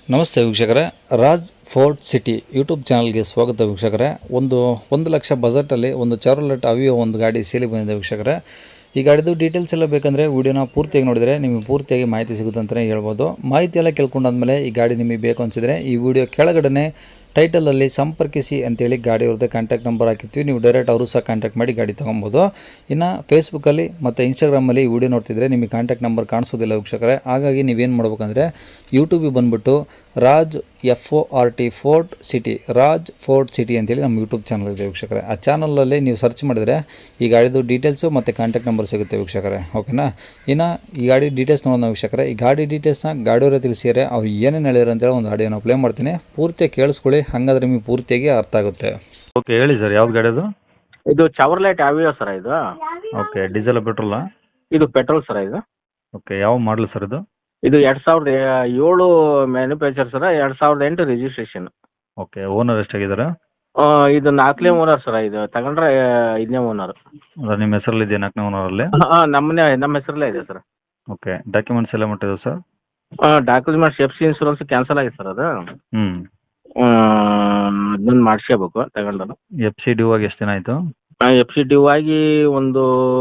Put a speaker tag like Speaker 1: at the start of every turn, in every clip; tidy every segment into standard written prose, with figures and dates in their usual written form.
Speaker 1: ನಮಸ್ತೆ ವೀಕ್ಷಕರೇ, Raj fort city YouTube ಚಾನಲ್ಗೆ ಸ್ವಾಗತ ವೀಕ್ಷಕರೇ. ಒಂದು ಲಕ್ಷ ಬಜೆಟಲ್ಲಿ ಒಂದು ಚಾರ್ಲೆಟ್ ಅವಿಯೋ ಒಂದು ಗಾಡಿ ಸೇಲಿ ಬಂದಿದೆ ವೀಕ್ಷಕರೇ. ಈ ಗಾಡಿದು ಡೀಟೇಲ್ಸ್ ಎಲ್ಲ ಬೇಕಂದರೆ ವೀಡಿಯೋನ ಪೂರ್ತಿಯಾಗಿ ನೋಡಿದರೆ ನಿಮಗೆ ಪೂರ್ತಿಯಾಗಿ ಮಾಹಿತಿ ಸಿಗುತ್ತೆ ಅಂತಲೇ ಹೇಳ್ಬೋದು. ಮಾಹಿತಿ ಎಲ್ಲ ಕೇಳ್ಕೊಂಡಾದ್ಮೇಲೆ ಈ ಗಾಡಿ ನಿಮಗೆ ಬೇಕು ಅನಿಸಿದರೆ ಈ ವಿಡಿಯೋ ಕೆಳಗಡೆ ಟೈಟಲಲ್ಲಿ ಸಂಪರ್ಕಿಸಿ ಅಂತೇಳಿ ಗಾಡಿ ಅವ್ರದ್ದೇ ಕಾಂಟ್ಯಾಕ್ಟ್ ನಂಬರ್ ಹಾಕಿರ್ತೀವಿ. ನೀವು ಡೈರೆಕ್ಟ್ ಅವರು ಸಹ ಕಾಂಟ್ಯಾಕ್ಟ್ ಮಾಡಿ ಗಾಡಿ ತೊಗೊಬೋದು. ಇನ್ನು ಫೇಸ್ಬುಕ್ಕಲ್ಲಿ ಮತ್ತು ಇನ್ಸ್ಟಾಗ್ರಾಮಲ್ಲಿ ಈ ವಿಡಿಯೋ ನೋಡ್ತಿದ್ರೆ ನಿಮಗೆ ಕಾಂಟ್ಯಾಕ್ಟ್ ನಂಬರ್ ಕಾಣಿಸೋದಿಲ್ಲ ವೀಕ್ಷಕರೇ. ಹಾಗಾಗಿ ನೀವೇನು ಮಾಡ್ಬೇಕಂದ್ರೆ ಯೂಟ್ಯೂಬಿಗೆ ಬಂದುಬಿಟ್ಟು Raj FORT fort city, Raj fort city ಅಂತೇಳಿ ನಮ್ಮ ಯೂಟ್ಯೂಬ್ ಚಾನಲ್ ಇದೆ ವೀಕ್ಷಕರೇ. ಆ ಚಾನಲಲ್ಲಿ ನೀವು ಸರ್ಚ್ ಮಾಡಿದರೆ ಈ ಗಾಡಿದು ಡೀಟೇಲ್ಸು ಮತ್ತು ಕಾಂಟ್ಯಾಕ್ಟ್ ನಂಬರ್ ಸಿಗುತ್ತೆ ವೀಕ್ಷಕರೇ. ಓಕೆನಾ? ಇನ್ನು ಈ ಗಾಡಿ ಡೀಟೇಲ್ಸ್ ನೋಡೋಣ ವೀಕ್ಷಕರೇ. ಈ ಗಾಡಿ ಡೀಟೇಲ್ಸ್ನ ಗಾಡಿಯವರೇ ತಿಳಿಸಿದರೆ ಅವ್ರು ಏನೇನು ಹೇಳಿದ್ರು ಅಂತೇಳಿ ಒಂದು ಆಡಿಯೋನ ಪ್ಲೇ ಮಾಡ್ತೀನಿ, ಪೂರ್ತಿಯಾಗಿ ಕೇಳಿಸ್ಕೊಳ್ಳಿ. ಹಾಗಾದ್ರೆ ನಿಮಗೆ ಪೂರ್ತಿಯಾಗಿ ಅರ್ಥ ಆಗುತ್ತೆ.
Speaker 2: ಓಕೆ, ಹೇಳಿ ಸರ್, ಯಾವ್ದು ಗಾಡಿ ಅದು?
Speaker 3: ಇದು ಚಾವರ್ಲೈಟ್ ಅವಿಯೋ ಸರ್ ಇದು.
Speaker 2: ಓಕೆ, ಡೀಸೆಲ್ ಪೆಟ್ರೋಲಾ?
Speaker 3: ಇದು ಪೆಟ್ರೋಲ್ ಸರ್ ಇದು.
Speaker 2: ಓಕೆ, ಯಾವ ಮಾಡಲ್ ಸರ್ ಇದು?
Speaker 3: ಇದು 2007 manufacture sir, 2008 registration.
Speaker 2: Okay, owner ಎಷ್ಟಾಗಿದ್ದಾರೆ?
Speaker 3: ಇದು 4ನೇ ಓನರ್ ಸರ್. ಇದು ತಗೊಂಡ್ರೆ 5ನೇ ಓನರ್.
Speaker 2: ಅದ ನಿಮ್ಮ ಹೆಸರಲ್ಲಿ ಇದೆಯಾ 4ನೇ ಓನರಲ್ಲಿ?
Speaker 3: ನಮ್ಮ ಹೆಸರಲ್ಲೇ ಇದೆ ಸರ್.
Speaker 2: ಓಕೆ, ಡಾಕ್ಯುಮೆಂಟ್ಸ್ ಎಲ್ಲ ಮಟ್ಟಿದೆ sir?
Speaker 3: Documents FC insurance cancel ಆಗಿದೆ ಸರ್ ಅದು.
Speaker 2: ಹ್ಞೂ.
Speaker 3: ಅದನ್ನ ಮಾಡಿಸ್ಕೋಬೇಕು ತಗೊಂಡ್ರು.
Speaker 2: FC ಡ್ಯೂ ಆಗಿ ಎಷ್ಟು ದಿನ ಆಯಿತು?
Speaker 3: FC ಡ್ಯೂ ಆಗಿ ಒಂದು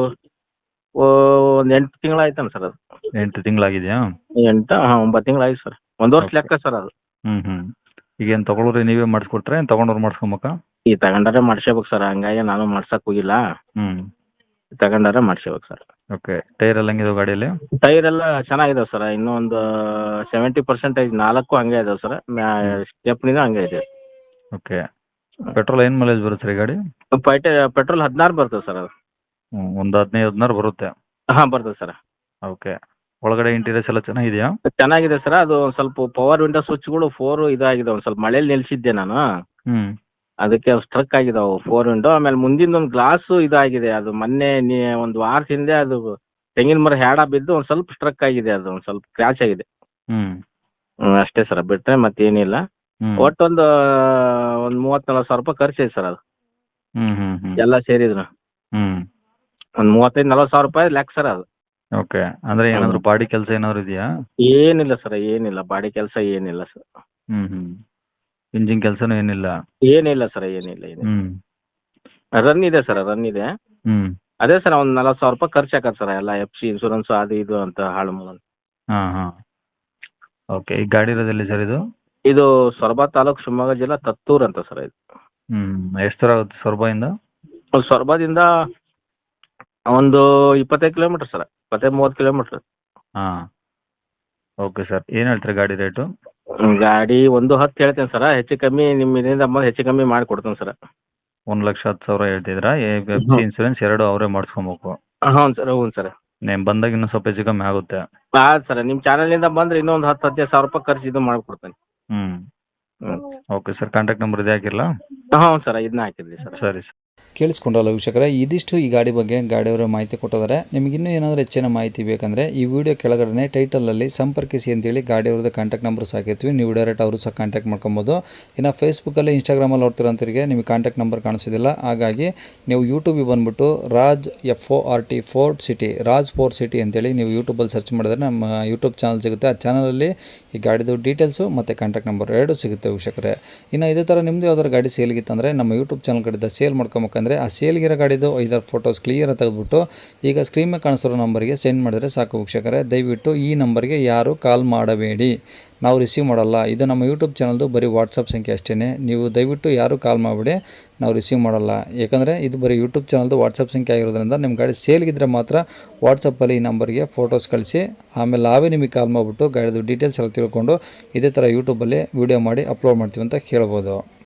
Speaker 3: 8 ತಿಂಗಳಾಯ್ತಾನೆ ಸರ್ ಅದು.
Speaker 2: 8 ತಿಂಗಳಾಗಿದೆಯಾ?
Speaker 3: 9 ತಿಂಗಳಾಯ್ತು ಸರ್. 1 ವರ್ಷ ಲೆಕ್ಕ ಸರ್ ಅದು.
Speaker 2: ಹ್ಞೂ. ಈಗೇನು ತೊಗೊಳೋರು ನೀವೇ ಮಾಡಿಸ್ಕೊಟ್ರೆ ಏನು ತೊಗೊಂಡವ್ರು ಮಾಡಿಸ್ಕೊಬೇಕಾ?
Speaker 3: ಈ ತಗೊಂಡಾರೆ ಮಾಡಿಸ್ಕೋಬೇಕು ಸರ್. ಹಂಗಾಗಿ ನಾನು ಮಾಡ್ಸಕ್ಕೆ ಹೋಗಿಲ್ಲ.
Speaker 2: ಹ್ಞೂ.
Speaker 3: ತಗೊಂಡಾರೆ ಮಾಡಿಸ್ಕೋಬೇಕು ಸರ್.
Speaker 2: ಓಕೆ, ಟೈರ್ ಎಲ್ಲ ಹೆಂಗಿದೆ ಗಾಡಿಯಲ್ಲಿ?
Speaker 3: ಟೈರ್ ಎಲ್ಲ ಚೆನ್ನಾಗಿದಾವೆ ಸರ್. ಇನ್ನೂ ಒಂದು 70% 4 ಹಂಗೆ ಇದಾವೆ ಸರ್. ಸ್ಟೆಪ್ನಿನೂ ಹಂಗೆ ಇದೆ.
Speaker 2: ಓಕೆ, ಪೆಟ್ರೋಲ್ ಏನು ಮೈಲೇಜ್ ಬರುತ್ತೆ ಸರ್ ಈ ಗಾಡಿ?
Speaker 3: ಪೆಟ್ರೋಲ್ 16 ಬರ್ತದೆ ಸರ್ ಅದು.
Speaker 2: ಒಂದು 15-16 ಬರುತ್ತೆ.
Speaker 3: ಬರ್ತದೆ ಸರ್.
Speaker 2: ಓಕೆ, ಒಳಗಡೆ ಇಂಟೀರಿಯರ್ಸ್ ಎಲ್ಲ ಚೆನ್ನಾಗಿದೆಯಾ?
Speaker 3: ಚೆನ್ನಾಗಿದೆ ಸರ್. ಅದು ಒಂದು ಸ್ವಲ್ಪ ಪವರ್ ವಿಂಡೋ ಸ್ವಿಚ್ಗಳು 4 ಇದಾಗಿದೆ. ಒಂದು ಸ್ವಲ್ಪ ಮಳೇಲಿ ನಿಲ್ಸಿದ್ದೆ ನಾನು,
Speaker 2: ಹ್ಞೂ.
Speaker 3: ಅದಕ್ಕೆ ಸ್ಟ್ರಕ್ ಆಗಿದಾವೆ 4 ವಿಂಡೋ. ಆಮೇಲೆ ಮುಂದಿನ ಒಂದು ಗ್ಲಾಸು ಇದಾಗಿದೆ. ಅದು ಮೊನ್ನೆ ಒಂದು ವಾರದ ಹಿಂದೆ ಅದು ತೆಂಗಿನ ಮರ ಹ್ಯಾಡ ಬಿದ್ದು ಒಂದು ಸ್ವಲ್ಪ ಸ್ಟ್ರಕ್ ಆಗಿದೆ. ಅದು ಒಂದು ಸ್ವಲ್ಪ ಕ್ರ್ಯಾಚ್ ಆಗಿದೆ. ಅಷ್ಟೇ ಸರ್, ಬಿಟ್ಟರೆ ಮತ್ತೇನಿಲ್ಲ. ಒಟ್ಟು ಒಂದು 30-40 ಸಾವಿರ ರೂಪಾಯಿ ಖರ್ಚಿದೆ ಸರ್ ಅದು. ಎಲ್ಲ ಸೇರಿದ್ರು ಒಂದು 35-40 ಸಾವಿರ ರೂಪಾಯಿ ಲೆಕ್ಕ ಸರ್ ಅದು.
Speaker 2: ಓಕೆ, ಅಂದರೆ ಏನಾದರೂ ಬಾಡಿ ಕೆಲಸ ಏನಾದರೂ ಇದೆಯಾ?
Speaker 3: ಏನಿಲ್ಲ ಸರ್, ಏನಿಲ್ಲ. ಬಾಡಿ ಕೆಲಸ ಏನಿಲ್ಲ ಸರ್.
Speaker 2: ಇಂಜಿನ್ ಕೆಲಸನೂ ಏನಿಲ್ಲ?
Speaker 3: ಏನಿಲ್ಲ ಸರ್, ಏನಿಲ್ಲ. ರನ್ ಇದೆ ಸರ್, ರನ್ ಇದೆ. ಅದೇ ಸರ್, ಒಂದು 40 ಸಾವಿರ ರೂಪಾಯಿ ಖರ್ಚು ಹಾಕತ್ತೆ ಸರ್. ಎಲ್ಲ FC ಇನ್ಶೂರೆನ್ಸ್ ಅದು ಇದು ಅಂತ ಹಾಳು ಮೂಲ.
Speaker 2: ಹಾಂ. ಓಕೆ, ಈ ಗಾಡಿ ಇರೋದೆಲ್ಲಿ ಸರ್ ಇದು?
Speaker 3: ಇದು ಸೊರಬ ತಾಲೂಕು, ಶಿವಮೊಗ್ಗ ಜಿಲ್ಲಾ, ತತ್ತೂರು ಅಂತ ಸರ್ ಇದು.
Speaker 2: ಎಷ್ಟು ದೂರ ಆಗುತ್ತೆ ಸೊರಬದಿಂದ?
Speaker 3: ಸೊರಬದಿಂದ ಒಂದು 25 ಕಿಲೋಮೀಟರ್ ಸರ್, 25-30 ಕಿಲೋಮೀಟರ್.
Speaker 2: ಹಾಂ. ಓಕೆ ಸರ್, ಏನು ಹೇಳ್ತೀರಿ ಗಾಡಿ ರೇಟು?
Speaker 3: ಗಾಡಿ 1.10 ಹೇಳ್ತೇನೆ ಸರ್. ಹೆಚ್ಚು ಕಮ್ಮಿ ನಿಮ್ಮ ಇದರಿಂದ ಬಂದು ಹೆಚ್ಚು ಕಮ್ಮಿ ಮಾಡಿ ಕೊಡ್ತೇನೆ ಸರ್.
Speaker 2: 1,10,000 ಹೇಳ್ತಿದ್ರಾ? FC ಇನ್ಶೂರೆನ್ಸ್ 2 ಅವರೇ ಮಾಡಿಸ್ಕೊಬೇಕು?
Speaker 3: ಹ್ಞೂ ಸರ್, ಹ್ಞೂ ಸರ್.
Speaker 2: ನೀವು ಬಂದಾಗ ಇನ್ನೂ ಸ್ವಲ್ಪ ಹೆಚ್ಚು ಕಮ್ಮಿ ಆಗುತ್ತೆ?
Speaker 3: ಸರ್, ನಿಮ್ಮ ಚಾನಲಿಂದ ಬಂದರೆ ಇನ್ನೊಂದು 10-15 ಸಾವಿರ ರೂಪಾಯಿ ಖರ್ಚು ಇದು ಮಾಡಿಕೊಡ್ತೇನೆ.
Speaker 2: ಓಕೆ ಸರ್, ಕಾಂಟ್ಯಾಕ್ಟ್ ನಂಬರ್ ಇದೆ ಹಾಕಿರಲಾ?
Speaker 3: ಹ್ಞೂ ಸರ್, ಇದನ್ನ ಹಾಕಿದ್ರಿ ಸರ್.
Speaker 2: ಸರಿ ಸರ್.
Speaker 1: ಕೇಳಿಸ್ಕೊಂಡ್ರಲ್ಲ ವೀಕ್ಷಕರೇ, ಇದಿಷ್ಟು ಈ ಗಾಡಿ ಬಗ್ಗೆ ಗಾಡಿಯವರು ಮಾಹಿತಿ ಕೊಟ್ಟಿದ್ದಾರೆ. ನಿಮಗಿನ್ನೂ ಏನಾದರೂ ಹೆಚ್ಚಿನ ಮಾಹಿತಿ ಬೇಕಂದರೆ ಈ ವಿಡಿಯೋ ಕೆಳಗಡೆ ಟೈಟಲಲ್ಲಿ ಸಂಪರ್ಕಿಸಿ ಅಂತೇಳಿ ಗಾಡಿಯವ್ರದ್ದು ಕಾಂಟ್ಯಾಕ್ಟ್ ನಂಬರ್ ಹಾಕಿರ್ತೀವಿ. ನೀವು ಡೈರೆಕ್ಟ್ ಅವರು ಸಹ ಕಾಂಟ್ಯಾಕ್ಟ್ ಮಾಡ್ಕೊಬೋದು. ಇನ್ನು ಫೇಸ್ಬುಕ್ಕಲ್ಲಿ ಇನ್ಸ್ಟಾಗ್ರಾಮಲ್ಲಿ ನೋಡ್ತಿರೋಂಥವ್ರಿಗೆ ನಿಮಗೆ ಕಾಂಟ್ಯಾಕ್ಟ್ ನಂಬರ್ ಕಾಣಿಸೋದಿಲ್ಲ. ಹಾಗಾಗಿ ನೀವು ಯೂಟ್ಯೂಬಿಗೆ ಬಂದುಬಿಟ್ಟು Raj FORT fort city, Raj fort city ಅಂತೇಳಿ ನೀವು ಯೂಟ್ಯೂಬಲ್ಲಿ ಸರ್ಚ್ ಮಾಡಿದ್ರೆ ನಮ್ಮ ಯೂಟ್ಯೂಬ್ ಚಾನಲ್ ಸಿಗುತ್ತೆ. ಆ ಚಾನಲಲ್ಲಿ ಈ ಗಾಡಿದು ಡೀಟೇಲ್ಸು ಮತ್ತು ಕಾಂಟ್ಯಾಕ್ಟ್ ನಂಬರ್ 2 ಸಿಗುತ್ತೆ ವೀಕ್ಷಕರೇ. ಇನ್ನು ಇದೇ ಥರ ನಿಮ್ಮದು ಯಾವ್ದಾದ್ರು ಗಾಡಿ ಸೇಲ್ಗಿತ್ತಂದರೆ ನಮ್ಮ ಯೂಟ್ಯೂಬ್ ಚಾನಲ್ ಕಡೆಯಿಂದ ಸೇಲ್ ಮಾಡ್ಕೊಬೇಕಂದ್ರೆ ಆ ಸೇಲ್ಗಿರೋ ಗಾಡಿದು 5 ಫೋಟೋಸ್ ಕ್ಲಿಯರಾಗಿ ತೆಗೆದುಬಿಟ್ಟು ಈಗ ಸ್ಕ್ರೀನ್ ಮೇಲೆ ಕಾಣಿಸಿರೋ ನಂಬರ್ಗೆ ಸೆಂಡ್ ಮಾಡಿದ್ರೆ ಸಾಕು ವೀಕ್ಷಕರೇ. ದಯವಿಟ್ಟು ಈ ನಂಬರ್ಗೆ ಯಾರು ಕಾಲ್ ಮಾಡಬೇಡಿ, ನಾವು ರಿಸೀವ್ ಮಾಡಲ್ಲ. ಇದು ನಮ್ಮ ಯೂಟ್ಯೂಬ್ ಚಾನಲ್ದು ಬರೀ ವಾಟ್ಸಪ್ ಸಂಖ್ಯೆ ಅಷ್ಟೇ. ನೀವು ದಯವಿಟ್ಟು ಯಾರು ಕಾಲ್ ಮಾಡಿಬಿಡಿ, ನಾವು ರಿಸೀವ್ ಮಾಡಲ್ಲ. ಯಾಕಂದರೆ ಇದು ಬರೀ ಯೂಟ್ಯೂಬ್ ಚಾನಲ್ದು ವಾಟ್ಸಪ್ ಸಂಖ್ಯೆ ಆಗಿರೋದ್ರಿಂದ ನಿಮ್ಮ ಗಾಡಿ ಸೇಲ್ಗಿದ್ರೆ ಮಾತ್ರ ವಾಟ್ಸಪ್ಪಲ್ಲಿ ಈ ನಂಬರ್ಗೆ ಫೋಟೋಸ್ ಕಳಿಸಿ, ಆಮೇಲೆ ನಾವೇ ನಿಮಗೆ ಕಾಲ್ ಮಾಡಿಬಿಟ್ಟು ಗಾಡಿದು ಡೀಟೇಲ್ಸ್ ಎಲ್ಲ ತಿಳ್ಕೊಂಡು ಇದೇ ಥರ ಯೂಟ್ಯೂಬಲ್ಲಿ ವೀಡಿಯೋ ಮಾಡಿ ಅಪ್ಲೋಡ್ ಮಾಡ್ತೀವಿ ಅಂತ ಕೇಳ್ಬೋದು.